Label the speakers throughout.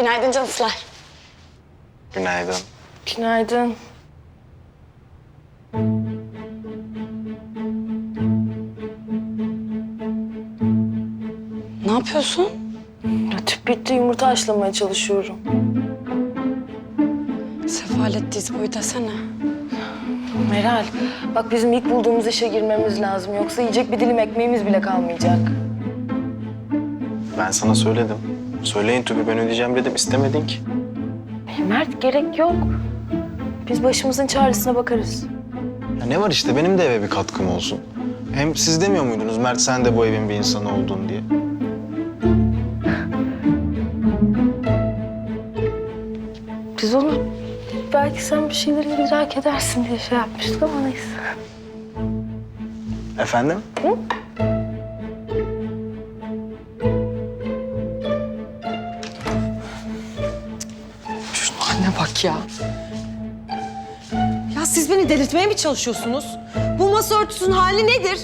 Speaker 1: Günaydın cansılar.
Speaker 2: Günaydın.
Speaker 3: Günaydın.
Speaker 1: Ne yapıyorsun?
Speaker 3: Ya tüp bitti, yumurta haşlamaya çalışıyorum.
Speaker 1: Sefalet diz boyu desene.
Speaker 3: Meral, bak bizim ilk bulduğumuz işe girmemiz lazım. Yoksa yiyecek bir dilim ekmeğimiz bile kalmayacak.
Speaker 2: Ben sana söyledim. Söyleyin tüpü ben ödeyeceğim dedim. İstemedin ki.
Speaker 3: Mert, gerek yok. Biz başımızın çaresine bakarız.
Speaker 2: Ya ne var işte benim de eve bir katkım olsun. Hem siz demiyor muydunuz Mert sen de bu evin bir insanı oldun diye?
Speaker 3: Biz onu belki sen bir şeyleri idrak edersin diye şey yapmıştık ama neyse.
Speaker 2: Efendim?
Speaker 4: Şuna anne bak ya. Ya siz beni delirtmeye mi çalışıyorsunuz? Bu masa örtüsünün hali nedir?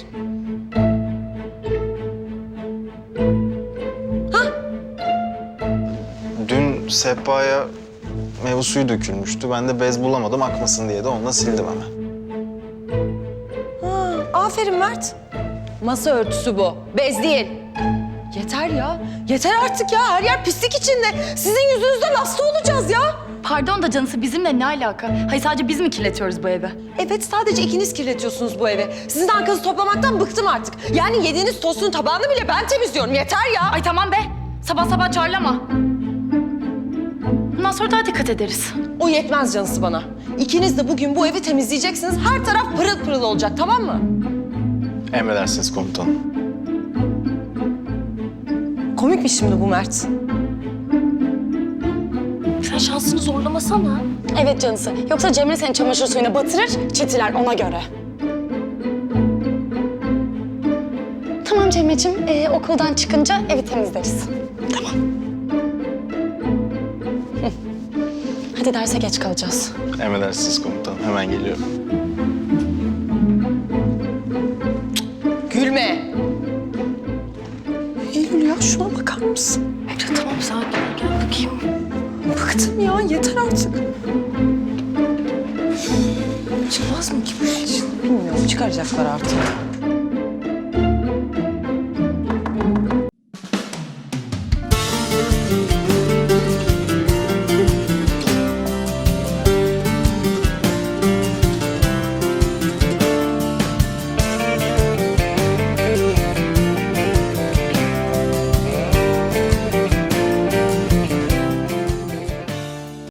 Speaker 2: Dün sehpaya meyve suyu dökülmüştü. Ben de bez bulamadım akmasın diye de onunla sildim hemen.
Speaker 4: Ha, aferin Mert. Masa örtüsü bu, bez değil. Yeter ya, yeter artık ya. Her yer pislik içinde. Sizin yüzünüzden hasta olacağız ya.
Speaker 5: Pardon da canısı bizimle ne alaka? Hayır sadece biz mi kirletiyoruz bu evi?
Speaker 4: Evet, sadece ikiniz kirletiyorsunuz bu evi. Sizin arkanızı toplamaktan bıktım artık. Yani yediğiniz tostun tabağını bile ben temizliyorum. Yeter ya.
Speaker 5: Ay tamam be. Sabah sabah çağırlama. Bundan sonra daha dikkat ederiz.
Speaker 4: O yetmez canısı bana. İkiniz de bugün bu evi temizleyeceksiniz. Her taraf pırıl pırıl olacak, tamam mı?
Speaker 2: Emredersiniz komutanım.
Speaker 4: Komik mi şimdi bu Mert?
Speaker 3: Sen şansını zorlamasana.
Speaker 1: Evet canısı. Yoksa Cemre seni çamaşır suyuna batırır, çitiler ona göre. Tamam Cemre'ciğim, okuldan çıkınca evi temizleriz. Tamam. Hı. Hadi derse geç kalacağız.
Speaker 2: Emredersiniz komutanım. Hemen geliyorum.
Speaker 4: Gülme. Eylül ya, şuna bakar mısın?
Speaker 3: Emre tamam sakin ol, gel bakayım.
Speaker 4: Bıktım ya, yeter artık.
Speaker 3: Çıkmaz mı ki bu iş?
Speaker 4: Bilmiyorum, çıkaracaklar artık.